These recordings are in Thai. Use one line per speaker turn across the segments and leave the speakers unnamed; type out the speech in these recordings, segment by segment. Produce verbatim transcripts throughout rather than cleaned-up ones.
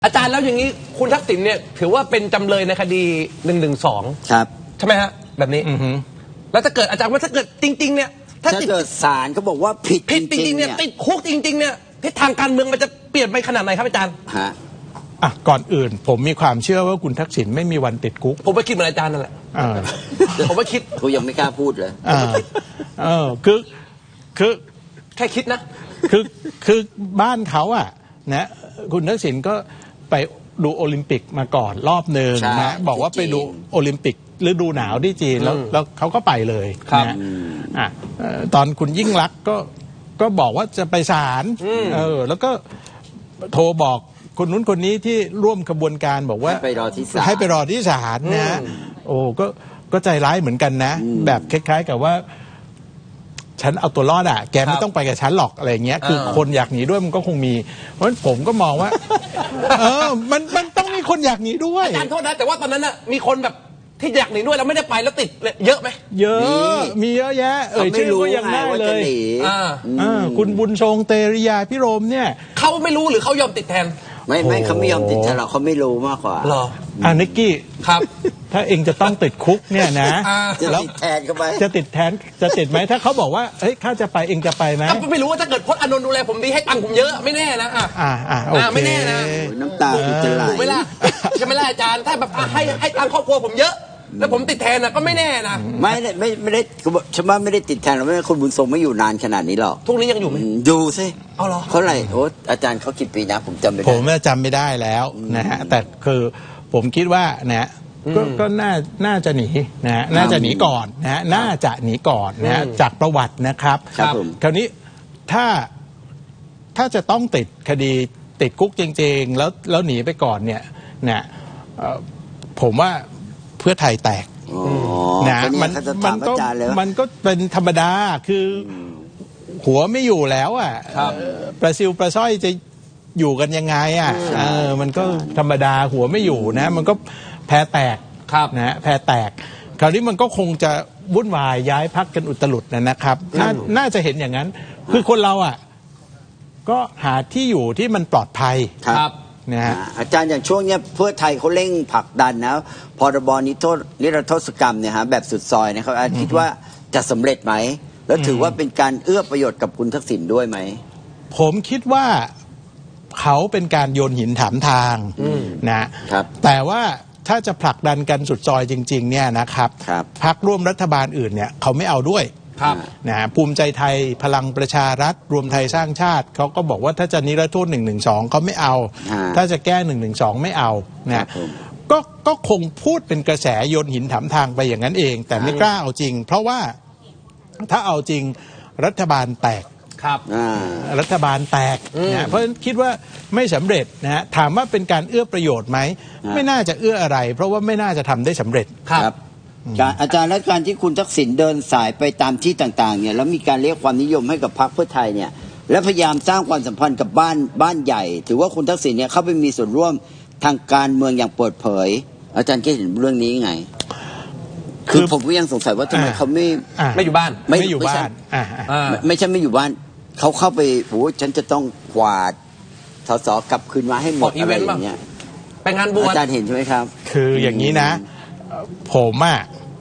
อาจารย์แล้วอย่างนี้คุณทักษิณเนี่ยถือว่าเป็นจำเลยในคดีหนึ่งหนึ่งสอง
ครับ
ใช่ไหมฮะแบบนี้แล้วถ้าเกิดอาจารย์ว่าถ้าเกิดจริงๆเนี่ย
ถ้าเกิดศาลเขาบอกว่าผิด
ผิดจริงๆเนี่ยติดคุกจริงๆเนี่ยทิศทางการเมืองมันจะเปลี่ยนไปขนาดไหนครับอาจารย์
ฮะ
อ่ะก่อนอื่นผมมีความเชื่อว่าคุณทักษิณไม่มีวันติดคุก
ผมไปคิดเหมือนอาจารย์นั่นแหละผมไปคิด
เขายังไม่กล้าพูดเลย
เออคือคือ
แค่คิดนะ
คือคือบ้านเขาอ่ะนะคุณทักษิณก็ไปดูโอลิมปิกมาก่อนรอบหนึ่งนะบอกว่าไปดูโอลิมปิกฤดูหนาวที่จีนแล้วแล้วเขาก็ไปเลยนะอ่ะตอนคุณยิ่งลักษณ์ก็ก็บอกว่าจะไปศาลเออแล้วก็โทรบอกคนนู้นคนนี้ที่ร่วมขบวนการบอกว่า
ให้ไปรอที่ศาล
ให้ไปรอที่ศาลนะโอ้ก็ก็ใจร้ายเหมือนกันนะแบบคล้ายๆกับว่าฉันเอาตัวรอดอ่ะแกไม่ต้องไปกับฉันหรอกอะไรเงี้ยคือคนอยากหนีด้วยมันก็คงมีเพราะฉะนั้นผมก็มองว่าเออมันมันต้องมีคนอยากหนีด้วย
อาจารย์โทษนะแต่ว่าตอนนั้นน่ะมีคนแบบที่อยากหนีด้วยแล้วไม่ได้ไปแล้วติดเยอะไหม
เยอะมีเยอะแยะเอ่ยชื่อก็ยังได้เลยคุณบุญทรงเตริยาพิรมเนี่ย
เขาไม่รู้หรือเขายอมติดแทน
ไม่ไม่เขาไม่ยอมติดแทนหรอกเขาไม่รู้มากกว่า
หรอ
อ่านิกกี้
ครับ
ถ้าเองจะต้องติดคุกเนี่ยนะ
จะติดแทนเขาไป
จะติดแทนจะติดไหมถ้าเขาบอกว่าเฮ้ยข้าจะไปเองจะไปไหม
ก็ไม่รู้ว่าถ้าเกิดพจน์อานนท์ดูแลผมดีให้ตังค์ผมเยอะไม่แน่นะอ่า
อ่าโอเค
ไม่แน่นะ
น้ำตาจะไหล
ถูกไหมล่ะใช่ไหมล่ะอาจารย์ถ้าแบบให้ให้ตังค์ครอบครัวผมเยอะแล้วผมติดแทนนะก็ไม่แน่นะ
ไม่ไม่ไม่ได้ฉันว่าไม่ได้ติดแทนหรอกไม่คุณบุญทรงไม่อยู่นานขนาดนี้หรอก
ทุกนี้ยังอยู่ไหม
อยู่สิ
เอาเหรอ
เขาไหร่โอ้อาจารย์เขากี่ปีนะผมจำไม่ได้
ผมจำไม่ได้แล้วนะฮะแต่คือผมคิดว่านะก็ก็น่าน่าจะหนีนะฮะน่าจะหนีก่อนนะฮะน่าจะหนีก่อนนะฮะจากประวัตินะครับคราวนี้ถ้าถ้าจะต้องติดคดีติดคุกจริงๆแล้วแล้วหนีไปก่อนเนี่ยนะผมว่าเพื่อไทยแตกนะมันมันก็มันก็เป็นธรรมดาคือหัวไม่อยู่แล้วอ่ะประซิวประซ้อยจะอยู่กันยังไงอ่ะเออมันก็ธรรมดาหัวไม่อยู่นะมันก็แพ้แตกนะแพ้แตกคราวนี้มันก็คงจะวุ่นวายย้ายพักกันอุตลุดนะครับน่าจะเห็นอย่างนั้นคือคนเราอ่ะก็หาที่อยู่ที่มันปลอดภัย
ครับนะฮะอาจารย์อย่างช่วงนี้เพื่อไทยเขาเร่งผลักดันนะพรบนิโทษนิรโทษกรรมเนี่ยฮะแบบสุดซอยนะครับคิดว่าจะสำเร็จไหมแล้วถือว่าเป็นการเอื้อประโยชน์กับคุณทักษิณด้วยไหม
ผมคิดว่าเขาเป็นการโยนหินถามทางนะครับแต่ว่าถ้าจะผลักดันกันสุดซอยจริงๆเนี่ยนะครับพรรคร่วมรัฐบาลอื่นเนี่ยเขาไม่เอาด้วยนะภูมิใจไทยพลังประชารัฐรวมไทยสร้างชาติเขาก็บอกว่าถ้าจะนิรโทษหนึ่งหนึ่งสองเขาไม่เอาถ้าจะแก้หนึ่งหนึ่งสองไม่เอานะก็ก็คงพูดเป็นกระแสโยนหินถามทางไปอย่างนั้นเองแต่ไม่กล้าเอาจริงเพราะว่าถ้าเอาจริงรัฐบาลแตก
ครับ
รัฐบาลแตกนะเพราะคิดว่าไม่สำเร็จนะฮะถามว่าเป็นการเอื้อประโยชน์ไหมไม่น่าจะเอื้ออะไรเพราะว่าไม่น่าจะทำได้สำเร็จ
ครับอาจารย์และการที่คุณทักษิณเดินสายไปตามที่ต่างๆเนี่ยแล้วมีการเรียกความนิยมให้กับพรรคเพื่อไทยเนี่ยและพยายามสร้างความสัมพันธ์กับบ้านบ้านใหญ่ถือว่าคุณทักษิณเนี่ยเข้าไปมีส่วนร่วมทางการเมืองอย่างเปิดเผยอาจารย์คิดเห็นเรื่องนี้ไงคือผมก็ยังสงสัยว่าทำไมเขาไม่
ไม่อยู่บ้าน
ไม่อยู่บ้าน
ไม่ใช่ไม่อยู่บ้านเขาเข้าไปโอ้ฉันจะต้องกวาดสสกลับคืนมาให้หมดอะไรอย่างเงี้ย
ไปงานบวช
อาจารย์เห็นใช่ไหมครับ
คืออย่างนี้นะผมอ่ะ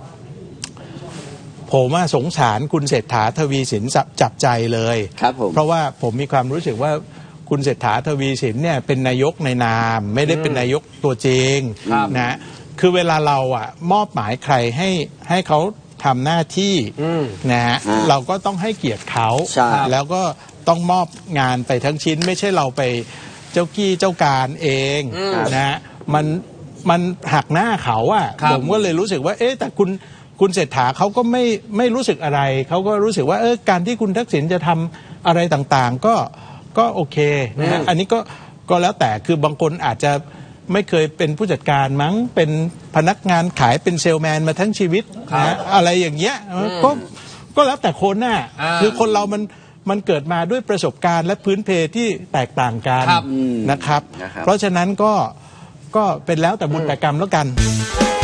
ผมว่าสงสารคุณเศรษฐาทวีสินจับใจเลย
ครับผม
เพราะว่าผมมีความรู้สึกว่าคุณเศรษฐาทวีสินเนี่ยเป็นนายกในนามไม่ได้เป็นนายกตัวจริงนะคือเวลาเราอ่ะมอบหมายใครให้ให้เขาทำหน้าที่นะฮะเราก็ต้องให้เกียรติเขาแล้วก็ต้องมอบงานไปทั้งชิ้นไม่ใช่เราไปเจ้ากี้เจ้าการเองนะมันมันหักหน้าเขาอ่ะผมก็เลยรู้สึกว่าเอ๊ะแต่คุณคุณเศรษฐาเขาก็ไม่ไม่รู้สึกอะไรเขาก็รู้สึกว่าเออการที่คุณทักษิณจะทำอะไรต่างๆก็ก็โอเคนะฮะอันนี้ก็ก็แล้วแต่คือบางคนอาจจะไม่เคยเป็นผู้จัดการมั้งเป็นพนักงานขายเป็นเซลแมนมาทั้งชีวิตนะอะไรอย่างเงี้ยก็ก็แล้วแต่คนน่ะคือคนเรามันมันเกิดมาด้วยประสบการณ์และพื้นเพที่แตกต่างกันนะครับเพราะฉะนั้นก็ก็เป็นแล้วแต่บุญแต่กรรมแล้วกัน